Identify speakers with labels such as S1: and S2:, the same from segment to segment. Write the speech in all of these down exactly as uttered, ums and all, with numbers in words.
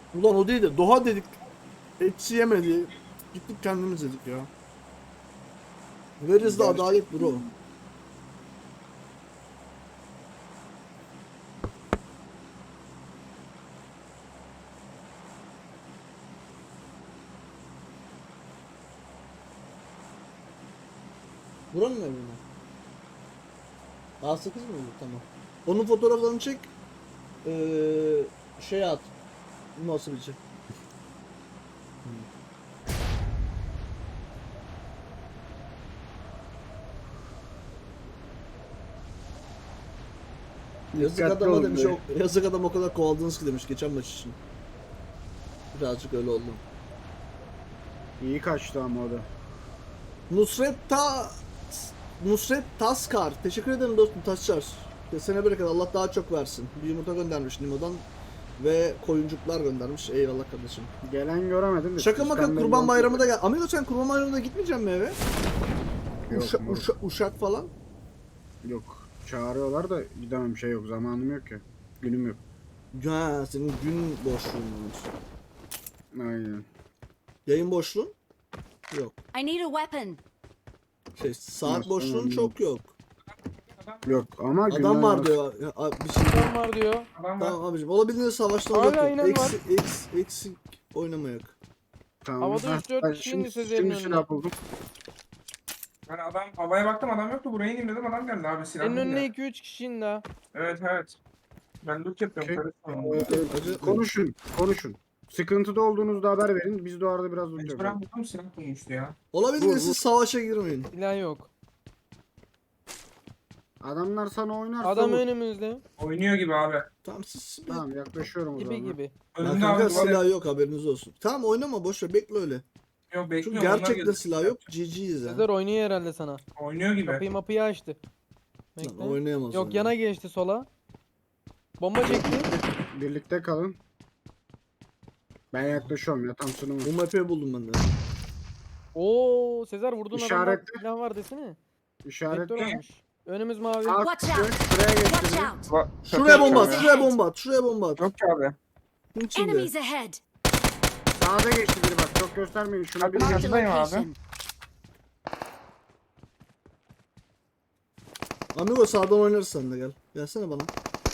S1: Ulan o değil de Doğa dedik. Etçi yemedi. Gittik kendimiz dedik ya. Where is the
S2: Gerçek-
S1: adalet bro? Buranın evi mi? A sekiz mi bu? Tamam. Onun fotoğraflarını çek. Ee, şey at. Nasıl bir şey? Yazık
S2: Dikkatli
S1: adama
S2: olun
S1: demiş,
S2: böyle.
S1: o, yazık adam o kadar kovaldınız ki demiş geçen maç için. Birazcık öyle oldu.
S2: İyi kaçtı ama o da.
S1: Nusret Ta Nusret Taskar. Teşekkür ederim dostum Taşçar. Kesene bereket, Allah daha çok versin. Bir yumurta göndermiş Nimo'dan ve koyuncuklar göndermiş. Eyvallah kardeşim.
S2: Gelen göremedim de.
S1: Şaka maka
S2: sistemden
S1: kurban
S2: yok.
S1: bayramı da gel. Amigo sen kurban bayramında gitmeyecek misin eve?
S2: Yok,
S1: Uşa,
S2: moruk.
S1: uşa, uşak falan.
S2: Yok. Çağırıyorlar da gidemem, şey yok. Zamanım yok ya. Günüm yok.
S1: Ya senin gün boşluğun var.
S2: Aynen.
S1: Yayın boşluğun? Yok.
S3: I need a weapon.
S1: Şey saat
S2: Nasıl
S1: boşluğun
S2: önemli
S1: çok yok.
S2: Yok ama
S1: Adam
S2: günden
S1: var
S2: az-
S1: diyor. Ya, a- bir şey.
S4: Adam var diyor.
S5: Adam var.
S1: Tamam abicim. Olabildiğince savaştan
S4: Hala
S1: uzak dur.
S4: aynen var.
S1: Eksi, eks, eksik oynamayak.
S2: Tamam.
S4: Havada
S2: Ha,
S4: üç dört
S2: ben
S4: kişi
S2: şimdi,
S4: indi Sezer'in
S2: şimdi
S4: önüne.
S2: silah buldum.
S5: Ben adam havaya baktım adam yoktu. Buraya ineyim dedim adam geldi abi silah.
S4: Senin önüne
S5: bulunca.
S4: iki üç kişi indi ha.
S5: Evet evet. Ben loot yapıyorum.
S2: Okey.
S5: karışmıyorum.
S2: Ee,
S1: Acı-
S2: konuşun. Konuşun. Sıkıntıda olduğunuzda haber verin. Biz de o arada biraz loot
S5: Mecburen
S2: yapalım.
S5: buldum silah bulmuştu ya.
S1: Olabildiğince
S2: Vur, vur.
S1: siz savaşa girmeyin.
S4: Silah yok.
S2: Adamlar sana oynarsa
S4: Adam
S2: vur.
S4: önümüzde.
S5: Oynuyor gibi abi.
S1: Tamam siz bir...
S2: Tamam, yaklaşıyorum o
S4: Gibi
S2: zaman.
S4: gibi.
S1: Ya
S5: Önünde
S1: kanka
S5: abi duvar
S1: silah yok haberiniz olsun. Tamam oynama boş ver bekle öyle.
S5: yok
S1: Çünkü
S5: bekliyorum. onlar
S1: gerçekten
S5: geldi.
S1: silah yok. G G'yiz ya.
S4: Sezer oynuyor herhalde sana.
S5: Oynuyor gibi.
S4: Kapıyı mapıyı açtı.
S1: Lan
S4: Bekle.
S1: oynayamaz.
S4: Yok
S1: oyunu.
S4: yana geçti sola. Bomba çekti.
S2: Birlikte kalın. Ben yaklaşıyorum ya, tam sınırım.
S1: Bu map'i buldum ben de.
S4: Oo Sezer vurdun adamda
S2: İşaretle.
S4: silah var desene.
S2: İşaret.
S4: Vektör almış. Önümüz mavi.
S2: Sağ
S3: Watch
S2: kısmı,
S3: out.
S2: şuraya
S3: Watch
S2: geçti.
S3: out.
S5: Va-
S1: Şuraya
S5: Kapıyı
S1: bomba at,
S5: açıyorum
S1: şuraya bomba at, şuraya bomba at.
S5: ya. Yok ki abi.
S1: Bunun içinde.
S3: Enemies ahead.
S2: Sağda geçti biri, bak çok göstermeyin. Şuna bir
S5: Kapıyı
S3: Marked a
S5: Yanındayım abi.
S3: location.
S1: Amigo sağdan oynarız sen de gel. Gelsene bana.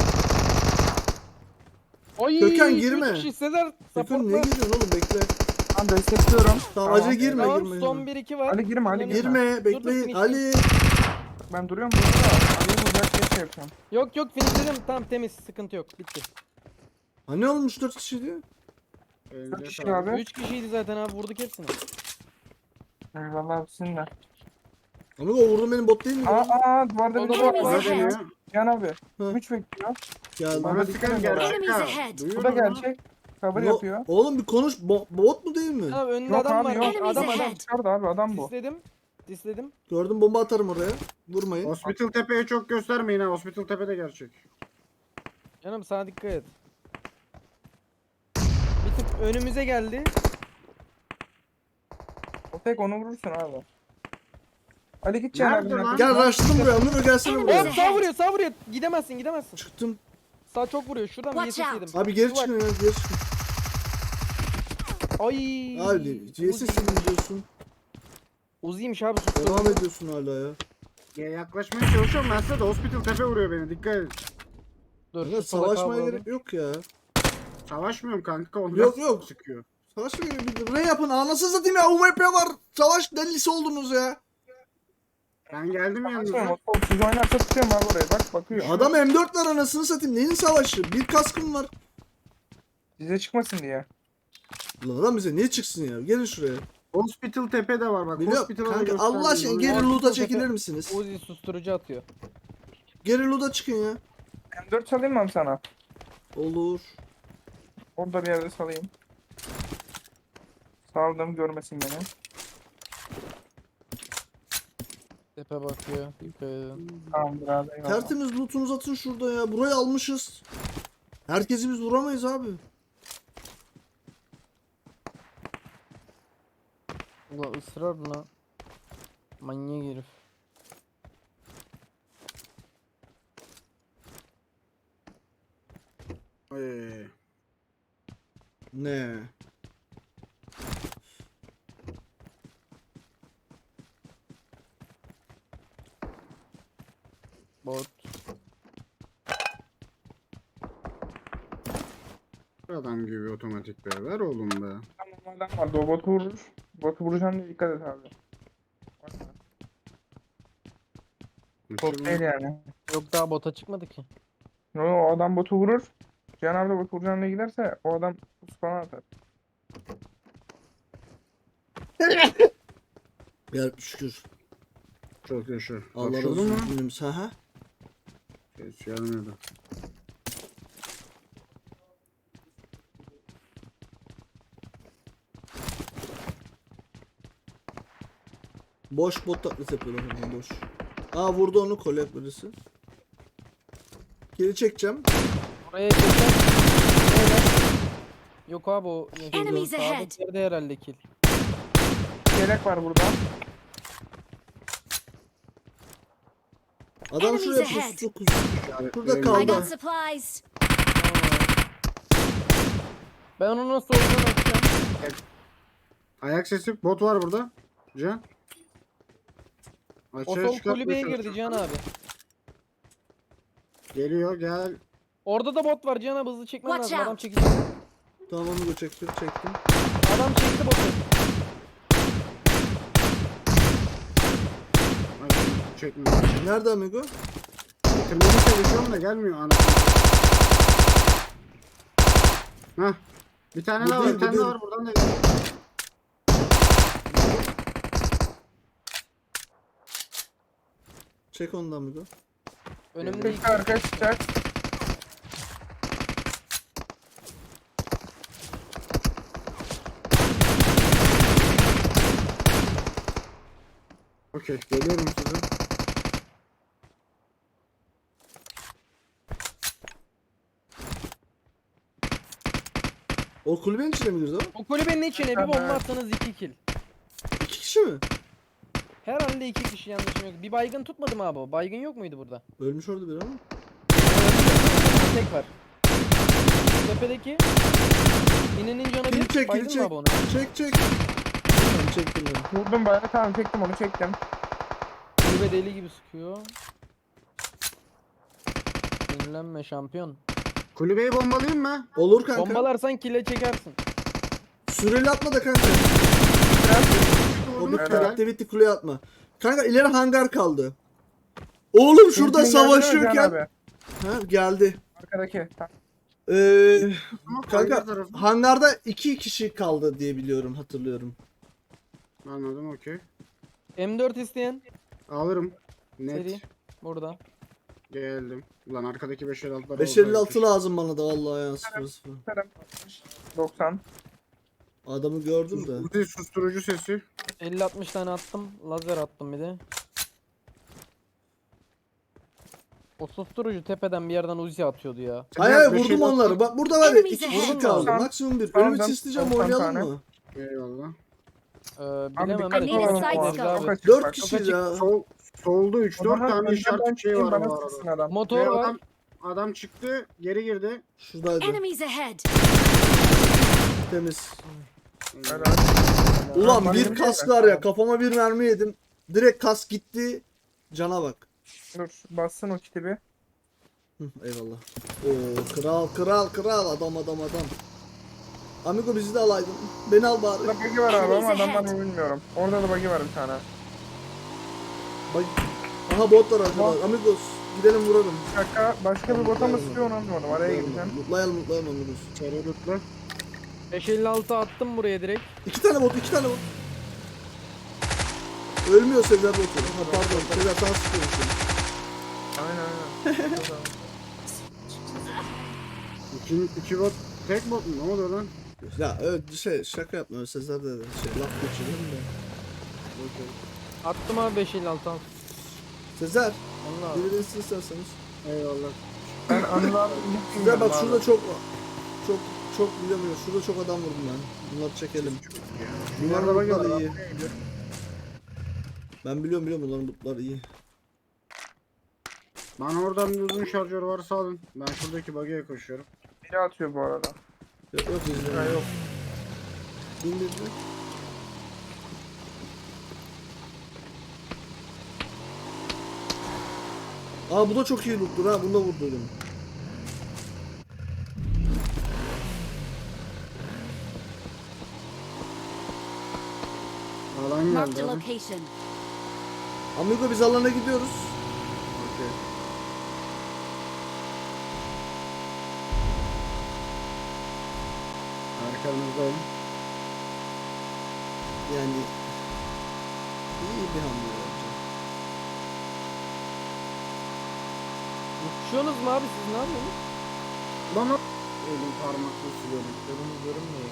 S4: Ay,
S1: Gökhan,
S4: iki, üç
S1: girme.
S4: kişi. Sezer
S1: Sakın niye
S4: supportla.
S1: gidiyorsun oğlum bekle.
S5: Ben destekliyorum.
S1: Tamam, acele girme
S4: Tamam
S1: girme.
S4: son
S1: girme.
S4: bir iki var.
S5: Ali girme, Ali girme.
S1: Girme
S4: Dur,
S1: bekleyin.
S4: dur,
S1: Ali.
S5: Ben duruyorum burada. Ali'yi bulacak diye şey yapıyorum.
S4: Yok yok finishledim. Tamam temiz sıkıntı yok. Bitti.
S1: Ha ne olmuş dört kişi diyor.
S2: Elinize
S5: Kaç kişi
S2: sağlık.
S5: abi?
S4: üç kişiydi zaten abi vurduk hepsini.
S5: Eyvallah abisinler.
S1: Amigo o vurdun benim bot değil mi?
S5: Aa
S1: lan?
S5: aa duvarda bir
S4: Onu
S5: duvar
S3: Enemies
S2: Bana
S5: var.
S3: ahead.
S2: deniyor.
S5: Yan abi.
S1: Hı.
S5: Üç bekliyor.
S1: Geldi.
S2: Bana sıkan gerçek
S3: Enemies
S2: ha.
S3: ahead.
S2: Duyuyor
S5: Bu da
S2: musun?
S5: gerçek. Cover
S1: No-
S5: yapıyor.
S1: Oğlum bir konuş. Bo- bot mu değil mi?
S4: Tamam önünde
S5: Yok
S4: adam
S5: abi
S4: var.
S5: yok.
S3: Enemies
S4: Adam adam.
S3: ahead.
S5: Çıkardı abi adam bu.
S4: Disledim. Disledim.
S1: Gördüm bomba atarım oraya. Vurmayın.
S2: Hospital Tepe'ye çok göstermeyin ha. Hospital Tepe'de gerçek.
S4: Canım sana dikkat et. Bir tık önümüze geldi.
S5: O tek onu vurursun abi. Ali git Cihan
S2: Nerede
S5: abinin
S2: lan?
S5: arkasına.
S1: Gel rushladım buraya. Amigo gelsene
S3: Enemies
S1: buraya.
S4: Hop sağ vuruyor sağ vuruyor. Gidemezsin gidemezsin.
S1: Çıktım.
S4: Sağ çok vuruyor. Şuradan bir
S3: Watch
S4: yesis
S3: out.
S4: yedim.
S1: Abi geri
S4: Bak.
S1: çıkın ya geri çıkın.
S4: Ay.
S1: Abi C S mi diyorsun?
S4: Uzi'ymiş abi
S1: Devam
S4: susturdu.
S1: ediyorsun hala ya.
S2: Ya yaklaşmaya çalışıyorum ben size de Hospital Tepe vuruyor beni. Dikkat edin.
S4: Dur
S1: Kanka
S4: şu sola
S1: savaşmaya
S4: kavralım.
S1: gerek yok ya.
S2: Savaşmıyorum kanka. Onlar
S1: Yok, yok.
S2: sıkıyor.
S1: Savaşmaya gerek yok. Ne yapın? Anasını satayım ya. U M P var. Savaş delisi oldunuz ya.
S2: Ben geldim
S5: Açıyorum,
S2: yanınıza.
S5: o top siz oynarsa tutuyorum abi oraya bak bakıyor.
S1: Adam M dört var anasını satayım. Neyin savaşı? Bir kaskım var.
S5: Size çıkmasın diye.
S1: Ulan adam bize niye çıksın ya? Gelin şuraya.
S2: Hospital Tepe'de var bak.
S1: Biliyorum.
S2: Hospital'a da
S1: Kanka Allah aşkına
S2: göstermeyin.
S1: geri
S4: Hospital
S1: loot'a
S4: tepe-
S1: çekilir misiniz?
S4: Uzi susturucu atıyor.
S1: Geri loot'a çıkın ya.
S5: M dört salayım mı abi sana?
S1: Olur.
S5: Orada bir yerde salayım. Saldım görmesin beni.
S4: Tepe bakıyor. Dikkat edin.
S5: Tamamdır abi eyvallah.
S1: Tertemiz loot'unuzu atın şurada ya. Burayı almışız. Herkesi biz vuramayız abi.
S4: Ulan ısrar buna. Manyak herif.
S2: Ee,
S1: Ne?
S4: Bot.
S2: Adam gibi otomatik be. Ver oğlum be.
S5: Tamam adam vardı. O botu vurur. Botu vuracağım diye dikkat et abi. Bakma. Bot değil yani.
S4: Yok daha bota çıkmadı ki.
S5: No, o adam botu vurur. Cihan abi de botu vuracağım diye giderse o adam spana atar.
S1: Ya şükür.
S2: Çok yaşa.
S1: Allah razı
S2: Hapşurdun mu?
S1: olsun. Günümüz. Ha ha.
S2: Hiç gelmedi.
S1: Boş bot taklidi yapıyorlar hemen boş. Aa vurdu onu kolye birisi. Geri çekeceğim.
S4: Oraya geçer. Öyle. Yok abi o.
S3: Enemies
S4: Sağda
S3: ahead.
S4: bir yerde herhalde kill.
S5: Yelek var burada.
S1: Adam
S3: Enemies
S1: şuraya
S3: ahead.
S1: pustu kustu. Burada
S3: I
S1: kaldı.
S3: got supplies.
S4: Ben onu nasıl olduğunu açacağım.
S2: Ayak sesi. Bot var burada. Can.
S4: O
S2: Açığa
S4: sol
S2: çıkartmaya
S4: kulübeye girdi
S2: çalışıyorum.
S4: Cihan abi.
S2: Geliyor gel.
S4: Orada da bot var Cihan abi, hızlı çekmen
S3: Watch
S4: lazım. Adam
S3: out.
S4: çekecek.
S1: Tamam onu çektim çektim.
S4: Adam çekti botu.
S2: Ay, çekmiyor.
S1: Nerede amigo?
S2: Bitirmeye çalışıyorum da gelmiyor ana. Hah. Bir tane
S1: Bu
S2: daha var,
S1: değil,
S2: bir
S1: bu
S2: tane daha
S1: değil.
S2: var buradan da geliyor.
S1: Çek onu da amigo.
S4: Önümde iki.
S5: Çıktı arka çıkacak.
S2: Okey, geliyorum size.
S1: O kulübenin içine mi girdi o?
S4: O kulübenin içine bir
S5: Tamam.
S4: bomba atsanız iki kill.
S1: İki kişi mi?
S4: Herhalde iki kişi, yanlışım yok. Bir baygın tutmadı mı abi o? Baygın yok muydu burada?
S1: Ölmüş orada biri ama.
S4: Tek var. Tepedeki inenin canı
S1: Kili
S4: bir.
S1: çek
S4: Baydın
S1: kili
S4: mı
S1: çek.
S4: abi onu?
S1: Çek çek. Tamam çektim ben.
S5: Vurdum bayağı, tamam çektim onu çektim.
S4: Kulübe deli gibi sıkıyor. Dinlenme şampiyon.
S2: Kulübeyi bombalayayım mı?
S1: Olur kanka.
S4: Bombalarsan kile çekersin.
S1: Süreli atma da kanka. O bir
S2: Helal.
S1: activity kuleye atma. Kanka ileri hangar kaldı. Oğlum şurada
S5: Mümkün geldi mi Cihan
S1: savaşıyorken.
S5: abi?
S1: Ha geldi.
S5: Arkadaki. Tamam.
S1: Ee,
S2: Hangi
S1: kanka
S2: tarafı?
S1: hangarda iki kişi kaldı diye biliyorum hatırlıyorum.
S2: Anladım, okey.
S4: M dört isteyen
S2: Alırım. Net.
S4: seri burada.
S2: Geldim. Ulan arkadaki beş elli altılar
S1: beş elli altı lazım bana da vallahi ya sıfır sıfır.
S5: doksan.
S1: Adamı gördüm de.
S2: Uzi susturucu sesi.
S4: elli altmış tane attım. Lazer attım bir de. O susturucu tepeden bir yerden Uzi atıyordu ya.
S1: Hayır hayır
S2: beş
S1: vurdum
S2: elli altı
S1: onları. Bak burada var ya
S3: Enemies
S1: iki
S3: ahead.
S1: kişi kaldı.
S5: Tamam.
S1: Maksimum bir.
S5: Tamam,
S1: Önümü
S5: tamam.
S1: sisleyeceğim
S5: Tamam,
S1: oynayalım
S5: tane.
S1: mı?
S2: Eyvallah.
S4: Ee,
S5: Abi
S4: bilemem
S5: dikkat
S4: evet.
S3: Yine
S5: olalım.
S3: side
S5: o
S3: scope.
S5: arada.
S4: Abi.
S5: Çok açık
S1: Dört
S5: bak, çok
S1: kişi
S5: açık.
S1: ya.
S2: Sol, solda üç
S5: O
S2: dört
S5: zaman
S2: tane
S5: önden ben
S2: işaret şey
S5: çıkayım,
S2: var
S5: bana
S2: bu
S5: sıksın
S2: arada.
S5: adam.
S4: Motor
S2: Ve
S4: var.
S2: adam, adam çıktı, geri girdi.
S1: Şuradaydı.
S3: Enemies ahead.
S1: Temiz.
S5: Helal.
S1: Ulan
S5: Normal
S1: bir
S5: bir
S1: kask
S5: şey
S1: var
S5: mi?
S1: ya kafama bir mermi yedim. Direkt kask gitti. Cana bak.
S5: Dur bassın o kiti bir.
S1: Hı, eyvallah. Oo kral kral kral adam adam adam. Amigo bizi de alaydın. Beni al bari.
S5: Burada bug'i var abi ama
S3: Enemies
S5: adam var
S3: ahead.
S5: mı bilmiyorum. Orada da bug'i var bir tane.
S1: Bak. Aha bot var arkada. Amigos gidelim vuralım.
S5: Bir dakika başka bir bota mı sıkıyor onu anlamadım. Araya gireceğim.
S1: Mutlayalım mutlayalım Amigos.
S2: İçeri lütfen.
S4: beş elli altı attım buraya direkt.
S1: İki tane bot iki tane bot. Ölmüyor Sezer botu. Ha pardon Sezer sana sıkıyormuşum.
S5: Aynen aynen.
S2: İki, iki bot, tek bot mu? Ne oluyor lan?
S1: Ya evet şey şaka yapma Sezer de şey laf geçirelim de.
S2: Okey.
S4: Attım abi beş elli altı al.
S1: Sezer
S4: Allah abi.
S1: birini isterseniz.
S2: Eyvallah.
S5: Ben Anıl abi
S1: Sezer bak şurada çok çok çok bilemiyor. Şurada çok adam vurdum ben. Bunları çekelim.
S2: Bunlar
S1: Bunların
S2: da bak
S1: lootları iyi. Ben biliyorum biliyorum bunların lootları iyi.
S2: Bana oradan bir uzun şarjör varsa alın. Ben şuradaki bug'e koşuyorum.
S5: biri atıyor bu arada.
S1: Yok yok bizde.
S5: Ha, yok.
S1: Bin bin bin. Aa bu da çok iyi loot'tur ha. Bunu da vurduydum.
S2: Alan
S3: Marked
S2: geldi
S3: a
S2: abi.
S3: location.
S1: Amigo biz alana gidiyoruz.
S2: Okey. Arkanızdayım.
S1: Yani iyi bir hamle bence.
S4: Uçuyorsunuz mu abi siz ne yapıyorsunuz?
S2: Bana elim parmakla siliyorum.
S4: Yolumuz görünmüyor.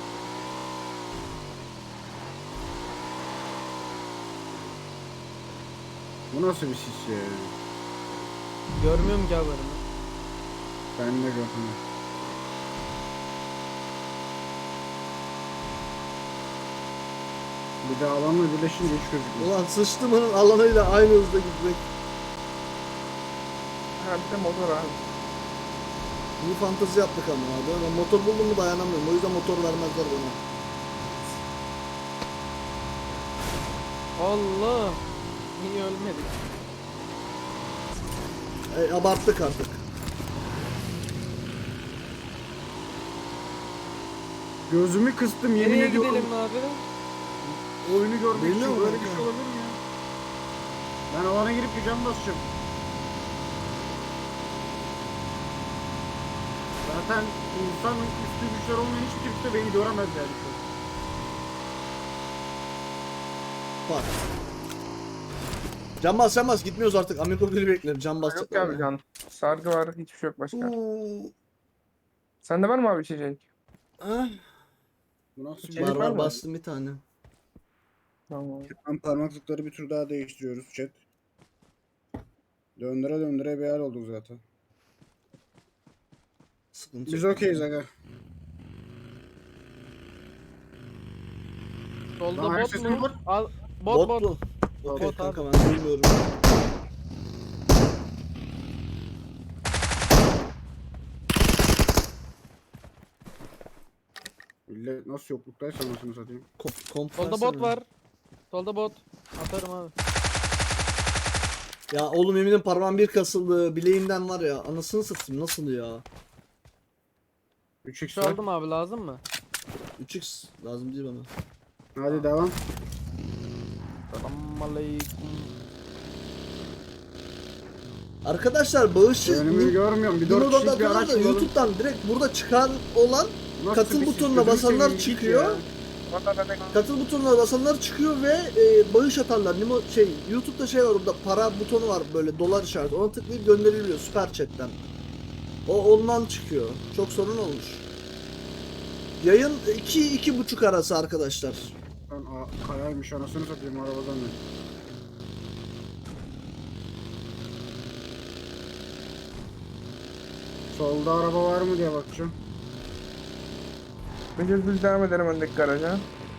S2: Bu nasıl bir sis ya?
S4: Görmüyorum ki haberini.
S2: Ben de gördüm. Bir de alanla birleşince hiç gözükmüyor.
S1: Ulan sıçtımının alanıyla aynı hızda gitmek.
S5: Ha bir de motor abi.
S1: İyi fantezi yaptık ama abi. Ben motor buldum mu dayanamıyorum. O yüzden motor vermezler bana.
S4: Allah. Niye ölmedik?
S1: E, abarttık artık.
S2: Gözümü kıstım yemin
S4: Nereye
S2: ediyorum.
S4: gidelim abi?
S2: Oyunu görmek
S1: Bilmiyor
S2: için
S1: musun
S2: böyle bir
S1: kanka?
S2: şey olabilir mi ya? Ben alana girip bir cam basacağım. Zaten insan üstü güçler olmayan hiçbir kimse beni göremez yani şu an.
S1: Bak. Can bas can bas gitmiyoruz artık. Amigo biri bekler. Can
S5: Yok
S1: basacak.
S5: ya abi can. Sargı var hiçbir şey yok başka.
S1: Uuu.
S5: Sende var mı abi içecek?
S1: Ah,
S2: Bu nasıl bir
S5: Şey
S1: var
S5: var
S1: var
S5: mı?
S1: bastım bir tane.
S5: Tamam.
S2: Ben parmaklıkları bir tur daha değiştiriyoruz chat. Döndüre döndüre bir hal olduk zaten.
S1: Sıkıntı
S2: Biz
S1: yok.
S2: okeyiz aga.
S4: Solda
S2: Lan,
S4: bot
S2: sesim
S4: mu?
S2: var.
S4: Al. Bot bot.
S1: mu? Okey
S4: Bot
S1: kanka
S4: abi.
S1: ben bilmiyorum.
S2: Millet nasıl yokluktaysa anasını satayım.
S1: Kom komp
S4: Solda
S1: versene.
S4: bot var. Solda bot. Atarım abi.
S1: Ya oğlum eminim parmağım bir kasıldı. Bileğimden var ya. Anasını satayım nasıl ya?
S2: üç x
S4: Şu
S2: var.
S4: aldım abi lazım mı?
S1: üç x lazım değil bana.
S2: Hadi devam.
S4: Selamünaleyküm.
S1: Arkadaşlar bağışı
S2: Önümü görmüyorum. Bir dört
S1: Nimo'dan
S2: kişilik bir
S1: atıyorlar
S2: araç
S1: da
S2: bulalım.
S1: YouTube'dan direkt burada çıkan olan
S2: Nasıl
S1: katıl
S2: bir sis?
S1: butonuna
S2: Gözünü
S1: basanlar
S2: seveyim, git
S1: çıkıyor.
S2: ya.
S5: Valla ben de
S1: Katıl butonuna basanlar çıkıyor ve e, bağış atarlar. Nimo şey YouTube'da şey var orada para butonu var böyle dolar işareti. Ona tıklayıp gönderiliyor süper chat'ten. O ondan çıkıyor. Çok sorun olmuş. Yayın iki iki buçuk arası arkadaşlar.
S2: Lan a- kayaymış anasını satayım arabadan ne? Solda araba var mı diye bakacağım.
S5: Önce düz devam edelim öndeki garaja.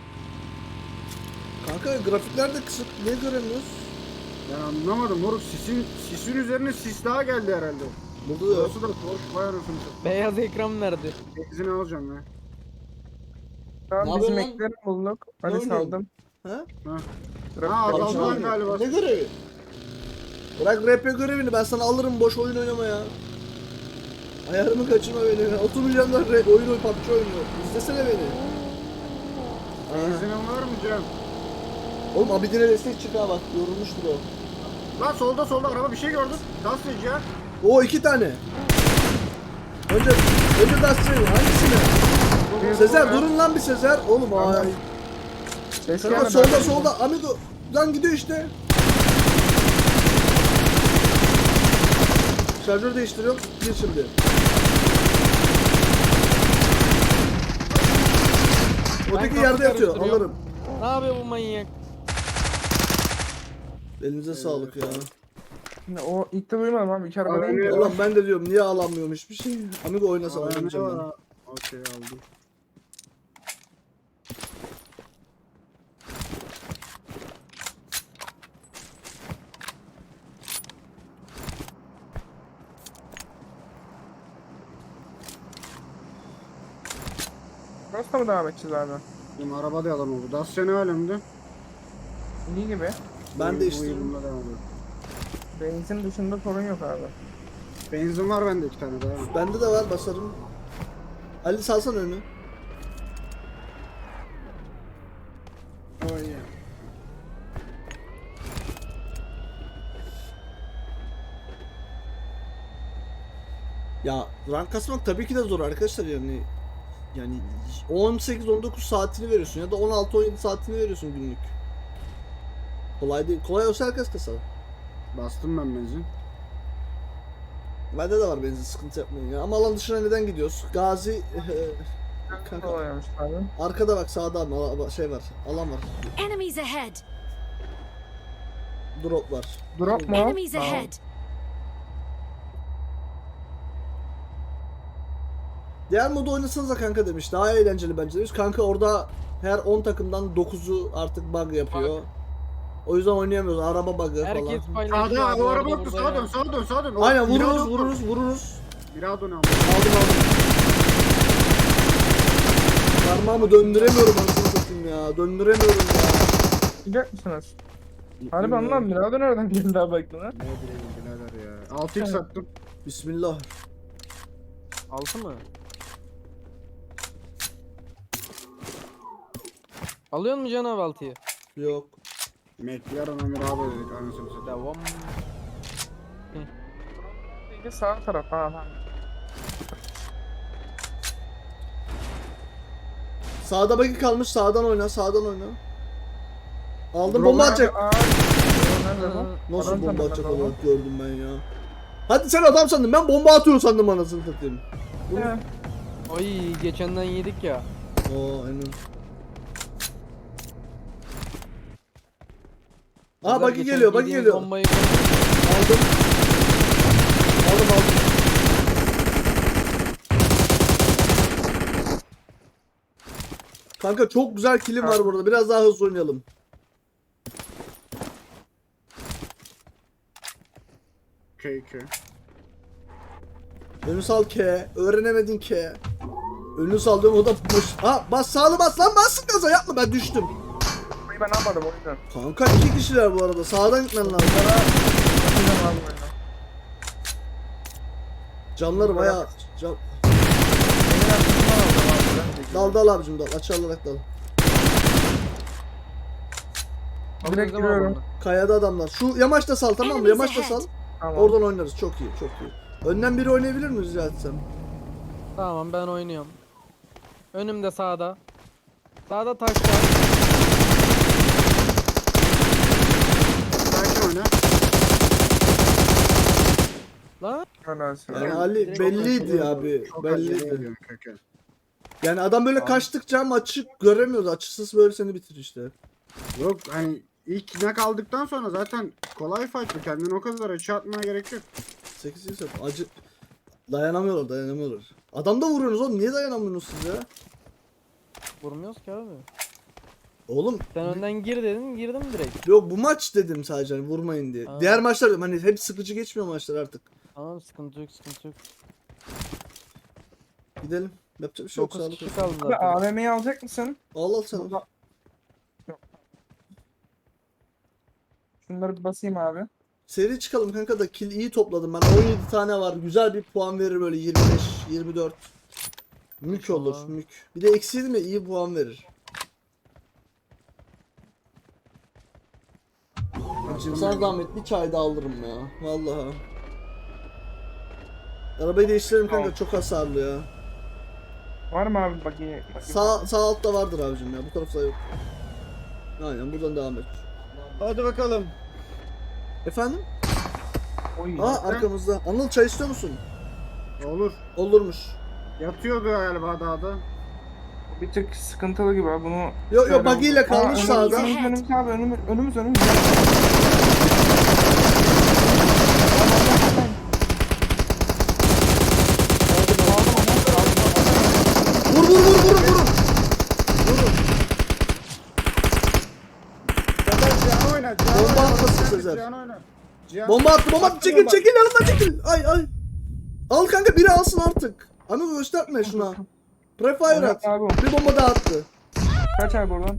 S1: Kanka grafikler de kısık. Niye göremiyoruz?
S2: Ben anlamadım moruk sisin sisin üzerine sis daha geldi herhalde.
S1: Burada da yok.
S2: Burası da boş vay anasını satayım.
S4: Beyaz ekran nerede?
S2: Benzin alacağım ya.
S5: Tamam
S1: Ne
S5: bizim
S1: yapıyorsun
S5: ekleri bulduk. Hadi
S1: oynuyorsun?
S5: saldım.
S1: Ha?
S2: Ha.
S5: Trafik
S2: Ha,
S5: yapacağım.
S2: azaldı lan galiba.
S1: Ne görevi? Bırak R P görevini ben sana alırım boş oyun oynama ya. Ayarımı kaçırma beni. otuz milyonlar re- oyun oy P U B G oynuyor. İzlesene beni. Aha.
S2: Benzinin var mı Cem?
S1: Oğlum Abidin'e destek çık ha bak yorulmuştur o.
S2: Lan solda solda araba bir şey gördüm. Gazeteci ya.
S1: O iki tane. Önce önce Dust'ı hangisini? Sezer durun lan bir Sezer. Oğlum ay.
S5: Ses
S1: Kanka
S5: gelmedi.
S1: solda solda amigo. Lan gidiyor işte. Şarjör değiştiriyorum. Gir şimdi. Öteki
S4: Ben
S1: yerde yatıyor.
S4: karıştırıyorum.
S1: Alırım.
S4: Ne yapıyor bu manyak?
S1: Elinize sağlık ya.
S5: Şimdi o ilk de duymadım abi. İki araba değil mi?
S2: Evet.
S1: Ulan ben de diyorum niye alamıyorum hiçbir şey. Amigo oynasa
S2: Aa, ne
S1: oynamayacağım
S2: var
S1: ben.
S2: ha? Okey aldım.
S5: Toros'ta mı devam edeceğiz abi?
S2: Benim araba da yalan oldu. Dacia ne alemde?
S5: İyi gibi.
S1: Ben
S2: Bu-
S1: de
S2: bu
S1: işte.
S2: yılımda devam ediyor.
S5: Benzin dışında sorun yok abi.
S2: Benzin var bende iki tane daha.
S1: Bende de var basarım. Ali salsana önü.
S2: Oh yeah.
S1: Ya rank kasmak tabii ki de zor arkadaşlar yani. Yani on sekiz on dokuz saatini veriyorsun ya da on altı on yedi saatini veriyorsun günlük. Kolay değil. Kolay olsa herkes kasar.
S2: Bastım ben benzin.
S1: Bende de var benzin, sıkıntı yapmayın ya. Ama alan dışına neden gidiyoruz? Gazi kanka,
S5: Kolaymış abi.
S1: arkada bak, sağda ama ala- şey var. Alan var.
S3: Enemies ahead!
S1: Drop var.
S5: Drop mu?
S3: Enemies
S5: Tamam.
S3: ahead!
S1: Diğer modu oynasanıza kanka demiş. Daha eğlenceli bence demiş. Kanka orada her on takımdan dokuzu artık bug yapıyor. O yüzden oynayamıyoruz. Araba bug'ı
S4: Herkes
S1: falan.
S4: paylaşıyor.
S2: Sağda
S4: abi
S2: o
S4: orada
S2: araba yoktu.
S4: burada
S2: Sağa
S4: ya.
S2: dön sağa dön sağa dön. O-
S1: Aynen
S2: Mirado
S1: vururuz
S2: var.
S1: vururuz vururuz.
S2: Mirado ne ama?
S1: Aldım aldım. Parmağımı döndüremiyorum anasını satayım ya. Döndüremiyorum ya.
S5: Gidecek misiniz? Harbi anlam Mirado nereden geldi abi aklına?
S2: Ne bileyim birader ya. altı x attım.
S1: Bismillah.
S4: Altı mı? Alıyor mu Can abi altıyı?
S1: Yok.
S2: McLaren'a Mirado dedik anasını satayım.
S4: Devam.
S5: Bir sağ taraf ha. ha.
S1: Sağda bagi kalmış. Sağdan oyna. Sağdan oyna. Aldım
S2: Drone
S1: bomba
S2: abi,
S1: atacak.
S5: Aa, nerede bu?
S1: Nasıl
S5: Adam
S1: bomba
S5: sandım
S1: atacak
S5: ben onu.
S1: olarak gördüm ben ya. Hadi sen adam sandın. Ben bomba atıyorum sandım anasını satayım. Bunu...
S5: He.
S4: Ay geçenden yedik ya.
S1: Oo aynen.
S4: Güzel,
S1: Aa bagi
S4: geçen
S1: geliyor, bagi
S4: yediğimiz
S1: geliyor.
S4: Bombayı...
S1: Aldım. Aldım aldım. Kanka çok güzel killim var burada. Biraz daha hızlı oynayalım.
S2: K K.
S1: Önü sal K. Öğrenemedin K. Önü sal diyorum o da boş. Ha bas sağlı bas lan bassın gaza yapma ben düştüm.
S5: Burayı ben almadım o yüzden.
S1: Kanka iki kişiler bu arada sağdan gitmen lazım.
S5: Yapacağım abi oyunu.
S1: Canları bayağı can...
S5: Benim arkasından aldım abi. Ben de
S1: Dal dal abicim dal açılarak dal.
S5: Direkt giriyorum.
S1: Kayada adamlar. Şu yamaçta sal tamam mı?
S3: Enemies
S1: Yamaçta
S3: ahead.
S1: sal.
S5: Tamam.
S1: Oradan oynarız çok iyi çok iyi. Önden biri oynayabilir mi rica etsem?
S4: Tamam ben oynuyorum. Önümde sağda. Sağda taş var.
S2: Sakin oyna.
S4: Lan.
S5: Helalsin.
S1: Yani
S2: Evet,
S1: Ali
S4: direkt
S1: belliydi
S2: Çok
S1: abi.
S2: Çok acele
S1: Belliydi.
S2: ediyorum K K.
S1: Yani adam böyle kaçtıkça maçı göremiyoruz. Açısız böyle seni bitir işte.
S2: Yok hani ilk ne kaldıktan sonra zaten kolay fight'lı. Kendini o kadar açı atmaya gerek yok.
S1: sekiz sekiz acı dayanamıyorlar dayanamıyorlar. Adam da vuruyorsunuz oğlum niye dayanamıyorsunuz siz ya?
S4: Vurmuyoruz ki abi.
S1: Oğlum
S4: Sen önden gir dedin girdim direkt.
S1: yok bu maç dedim sadece hani vurmayın diye.
S4: Aa.
S1: Diğer maçlar dedim hani hep sıkıcı geçmiyor maçlar artık.
S4: Tamam sıkıntı yok sıkıntı yok.
S1: Gidelim. Yapacak bir şey yok
S4: dokuz
S1: sağlık
S4: kişi
S1: olsun.
S4: kaldı
S5: Abi
S4: zaten.
S5: A V M'yi alacak mısın?
S1: Al al sen.
S5: Burada- Yok. Şunları bir basayım abi.
S1: Seri çıkalım kanka da kill iyi topladım ben. on yedi tane var. Güzel bir puan verir böyle yirmi beş yirmi dört. Mük olur
S4: Tamam.
S1: mük. Bir de eksiydi mi iyi puan verir. Şimdi sana zahmet bir çay da alırım ya. Vallahi. Arabayı değiştirelim kanka
S5: Tamam.
S1: çok hasarlı ya.
S5: Var mı abi bakayım?
S1: Sağ, sağ altta vardır abicim ya bu tarafta yok. Aynen buradan devam et.
S2: Hadi bakalım.
S1: Efendim?
S5: Oy.
S1: Aa arkamızda. Anıl çay istiyor musun?
S2: Olur.
S1: Olurmuş.
S2: Yatıyordu galiba dağda.
S5: Bir tık sıkıntılı gibi abi bunu.
S1: Yok yok
S5: Şöyle-
S1: buggy ile kalmış
S5: Aa, önümüz,
S1: sağda.
S5: Önümüz önümüz abi önümüz önümüz önümüz.
S1: Vur vur vur vurun vurun. Vurun.
S2: Sezer Cihan oyna. Cihan
S1: Bomba
S2: oyna.
S1: atmasın
S2: Cihan,
S1: Sezer.
S2: Cihan oyna. Cihan.
S1: Bomba attı bomba attı.
S2: Attı
S1: Çekil
S2: bomba.
S1: çekil yanından çekil. Ay ay. Al kanka biri alsın artık. Ama gösterme şuna. Prefire
S5: Evet
S1: at.
S5: abi.
S1: Bir bomba daha attı.
S5: Kaç abi oradan?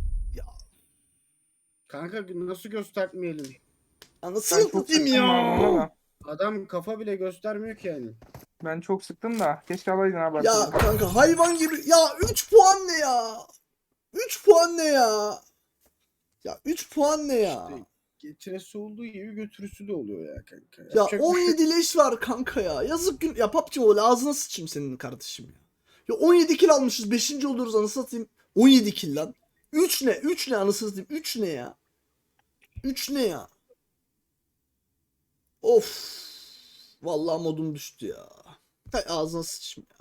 S2: Kanka nasıl göstermeyelim?
S1: Anasını
S5: Ben çok
S1: satayım
S5: sıktım abi ona
S1: ya.
S5: da.
S2: Adam kafa bile göstermiyor ki yani.
S5: Ben çok sıktım da. Keşke alaydın abi.
S1: Ya
S5: arkadaşlar.
S1: kanka hayvan gibi. Ya üç puan ne ya? üç puan ne ya? Ya üç puan ne ya?
S2: İşte getiresi olduğu gibi götürüsü de oluyor ya kanka.
S1: Ya
S2: Yapacak bir şey
S1: on
S2: yok.
S1: yedi leş var kanka ya. Yazık gün. Ya P U B G Mobile ağzına sıçayım senin kardeşim ya. Ya on yedi kill almışız. beşinci oluruz anasını satayım. on yedi kill lan. üç ne? üç ne anasını satayım? üç ne ya? üç ne ya? Of. Vallahi modum düştü ya. Hay ağzına sıçayım ya.